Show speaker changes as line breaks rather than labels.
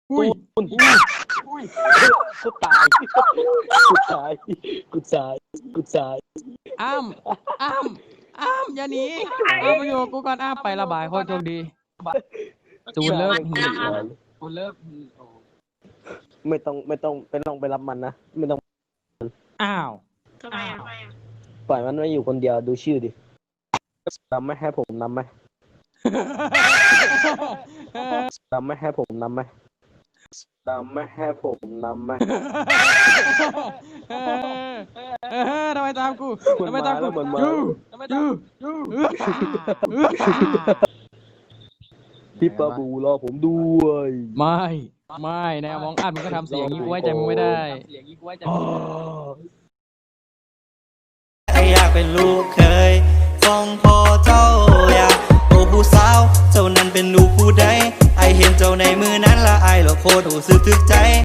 อุ้ย
กูตายกูตาย
อ้ำอย่าหนีอ้ำมาอยู่กับกูก่อนอ้ำไประบายโคตรโชคดีจูนเลิกจูนเลิก
ไม่ต้องไปรับมันนะไม่ต้อง
อ้าว
ทำไมอ่ะ
ปล่อยมันไว้อยู่คนเดียวดูชื่อดินำไหมให้ผมนำไหมนำไหมให้ผมนำไหมนำไหมให้ผมนำไหม
ทำไมตามกูทำไมตามกูยู
พี่ปาบูรอผมด้วย
ไม่แนวมองอัดมึงก็ทำเสียงอย่างนี้กูไว้ใจมึงไม่ได้
ไออยากเป็นลูกเคยฟ้องพ่อเจ้าอยากโอ้ผู้สาวเจ้านั้นเป็นลูกผู้ใดไอเห็นเจ้าในมือนั้นละไอละโคตรรู้สึกถึกใจ